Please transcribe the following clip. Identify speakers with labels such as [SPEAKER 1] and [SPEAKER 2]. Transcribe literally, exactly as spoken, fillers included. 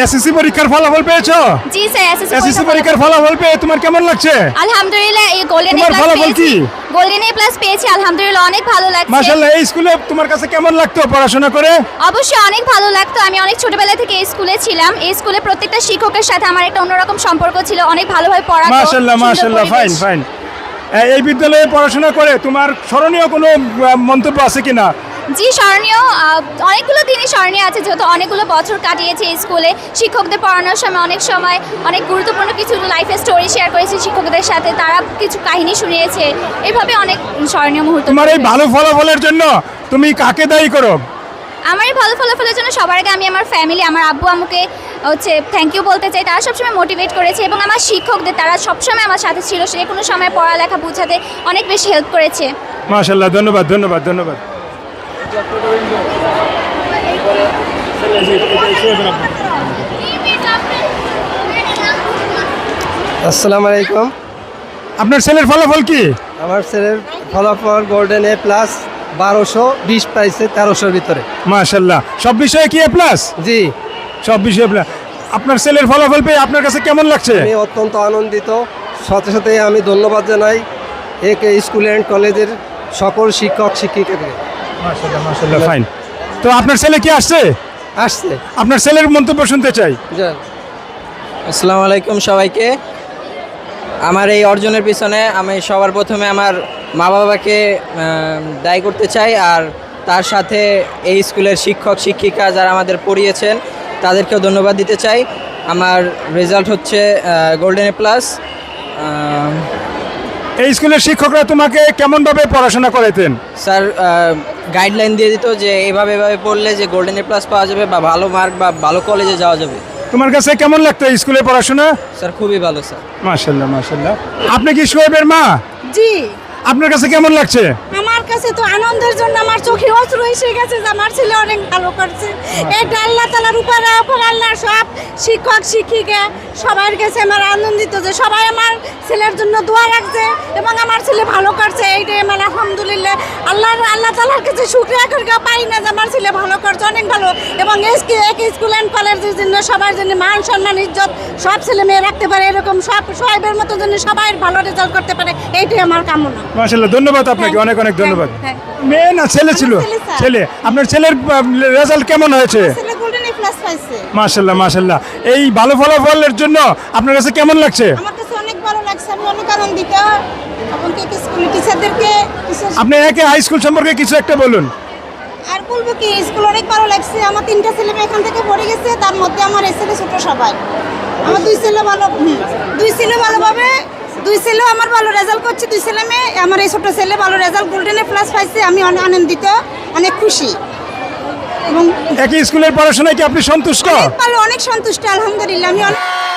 [SPEAKER 1] SSC পরীক্ষার ফলাফল পেয়েছো?
[SPEAKER 2] জি স্যার, এসএসসি
[SPEAKER 1] এসএসসি পরীক্ষার ফলাফল পেয়ে তোমার কেমন লাগছে?
[SPEAKER 2] আলহামদুলিল্লাহ, এই গোল্ডেন এ
[SPEAKER 1] তোমার
[SPEAKER 2] প্লাস
[SPEAKER 1] ফলাফল
[SPEAKER 2] পেয়েছি।
[SPEAKER 1] কি?
[SPEAKER 2] গোল্ডেন এ প্লাস পেয়েছি, আলহামদুলিল্লাহ অনেক ভালো লাগছে।
[SPEAKER 1] মাশাআল্লাহ, এই স্কুলে তোমার কাছে কেমন লাগতো পড়াশোনা করে?
[SPEAKER 2] অবশ্যই অনেক ভালো লাগতো। আমি অনেক ছোটবেলা থেকে এই স্কুলে ছিলাম। এই স্কুলে প্রত্যেকটা শিক্ষকের সাথে আমার একটা অন্যরকম সম্পর্ক ছিল, অনেক ভালোভাবে পড়াতো।
[SPEAKER 1] মাশাআল্লাহ মাশাআল্লাহ, ফাইন ফাইন। এই বিদ্যালয়ে পড়াশোনা করে তোমার স্মরণীয় কোনো আহ, মন্তব্য আছে কিনা?
[SPEAKER 2] জি, স্মরণীয় আহ, অনেকগুলো দিনই স্মরণীয় আছে, যেহেতু অনেকগুলো বছর কাটিয়েছি এই স্কুলে। শিক্ষকদের পড়ানোর সময় অনেক সময় অনেক গুরুত্বপূর্ণ কিছু লাইফের স্টোরি শেয়ার করেছি শিক্ষকদের সাথে, তারা কিছু কাহিনী শুনিয়েছে, এভাবে অনেক স্মরণীয় মুহূর্ত।
[SPEAKER 1] তোমার এই ভালো ফলাফলের জন্য তুমি কাকে দায়ী করো?
[SPEAKER 2] আমার এই ভালো ফলাফলের জন্য সবার আগে আমি আমার ফ্যামিলি, আমার আব্বু আম্মুকে হচ্ছে থ্যাংক ইউ বলতে চাই। তারা সবসময় মোটিভেট করেছে, এবং আমার শিক্ষকদের, তারা সবসময় আমার সাথে ছিল, সে কোনো সময় পড়ালেখা বোঝাতে অনেক বেশি হেল্প করেছে।
[SPEAKER 1] মাশাআল্লাহ, ধন্যবাদ ধন্যবাদ ধন্যবাদ।
[SPEAKER 3] আসসালামু আলাইকুম।
[SPEAKER 1] আপনার ছেলের ফলাফল কি?
[SPEAKER 3] আমার ছেলের ফলাফল গোল্ডেন এ প্লাস, বারোশো বিশ পাইছে তেরোশোর ভিতরে।
[SPEAKER 1] মাশাআল্লাহ, সব বিষয়ে কি এ প্লাস?
[SPEAKER 3] জি,
[SPEAKER 1] সব বিষয়ে প্লাস। আপনার ছেলের ফলাফল পেয়ে আপনার কাছে কেমন লাগছে?
[SPEAKER 3] আমি অত্যন্ত আনন্দিত। সাথে সাথে আমি ধন্যবাদ জানাই একে স্কুল অ্যান্ড কলেজের সকল শিক্ষক শিক্ষিকাকে।
[SPEAKER 1] মাশাআল্লাহ মাশাআল্লাহ, ফাইন। তো আপনার ছেলে কি আসছে?
[SPEAKER 3] আসছে।
[SPEAKER 1] আপনার ছেলের মন্তব্য শুনতে চাই।
[SPEAKER 3] যান।
[SPEAKER 4] আসসালামু আলাইকুম সবাইকে। আমার এই অর্জনের পিছনে আমি সবার প্রথমে আমার মা বাবাকে আহ, দায়ী করতে চাই, আর তার সাথে এই স্কুলের শিক্ষক শিক্ষিকা যারা আমাদের পড়িয়েছেন তাদেরকেও ধন্যবাদ দিতে চাই। আমার রেজাল্ট হচ্ছে গোল্ডেন এ প্লাস।
[SPEAKER 1] এই স্কুলের শিক্ষকরা তোমাকে কেমনভাবে পড়াশোনা করাতেন?
[SPEAKER 4] স্যার গাইডলাইন দিয়ে দিত যে এভাবে এভাবে পড়লে যে গোল্ডেন এ প্লাস পাওয়া যাবে বা ভালো মার্ক বা ভালো কলেজে যাওয়া যাবে।
[SPEAKER 1] তোমার কাছে কেমন লাগতো এই স্কুলে পড়াশোনা?
[SPEAKER 4] স্যার খুবই ভালো স্যার।
[SPEAKER 1] মাশাআল্লাহ মাশাআল্লাহ। আপনি কি শোয়েবের মা?
[SPEAKER 5] জি,
[SPEAKER 1] আপনার কাছে কেমন লাগছে?
[SPEAKER 5] আমার কাছে তো আনন্দের জন্য আমার চোখে অশ্রু এসে গেছে যে আমার ছেলে অনেক ভালো করছে। এটা আল্লাহ তাআলার উপরে উপর আল্লাহ সব শিক্ষক শিক্ষিকা সবার কাছে আমার আনন্দিত যে সবাই আমার ছেলের জন্য দোয়া রাখছে এবং আমার ছেলে ভালো করছে। এইটাই আমার আলহামদুলিল্লাহ আল্লাহ আল্লাহ তাআলার কাছে শুকরিয়া করে পাই না যে আমার ছেলে ভালো করছে, অনেক ভালো। এবং এসকে এক স্কুল অ্যান্ড কলেজের জন্য সবার জন্য মান সম্মান ইজ্জত সব ছেলে মেয়ে রাখতে পারে, এরকম সব সোহেবের মতো জন্য সবাই ভালো রেজাল্ট করতে পারে, এইটাই আমার কামনা।
[SPEAKER 1] মাশাআল্লাহ, ধন্যবাদ আপনাকে, অনেক অনেক ধন্যবাদ।
[SPEAKER 5] হ্যাঁ,
[SPEAKER 1] মেয়ে না ছেলে ছিল?
[SPEAKER 5] আমার ছেলে, স্যার।
[SPEAKER 1] ছেলে। আপনার ছেলের রেজাল্ট কেমন হয়েছে?
[SPEAKER 5] ছেলে গোল্ডেন এ প্লাস পাইছে।
[SPEAKER 1] মাশাআল্লাহ মাশাআল্লাহ। এই ভালো ফলাফলের জন্য আপনার কাছে কেমন লাগছে?
[SPEAKER 5] আমার কাছে অনেক ভালো লাগছে, আমি অনেক আনন্দিত। এমনকি স্কুল টিচারদেরকে টিচার-
[SPEAKER 1] আপনি একে হাই স্কুল সম্পর্কে কিছু একটা বলুন।
[SPEAKER 5] আর বলবো কি, স্কুল অনেক ভালো লাগছে। আমার তিনটা ছেলে মেয়ে এখান থেকে পড়ে গেছে, তার মধ্যে আমার এই ছেলে ছোট সবাই। আমার দুই ছেলে ভালো, হুম, দুই ছেলে ভালোভাবে, দুই ছেলেও আমার ভালো রেজাল্ট করছে, দুই ছেলে মেয়ে। আমার এই ছোট ছেলে ভালো রেজাল্ট গোল্ডেন এ প্লাস পাইছে, আমি অনেক আনন্দিত, অনেক খুশি এবং
[SPEAKER 1] একই স্কুলের পড়াশোনায় কি আপনি সন্তুষ্ট?
[SPEAKER 5] অনেক ভালো, অনেক সন্তুষ্ট আলহামদুলিল্লাহ। আমি অনেক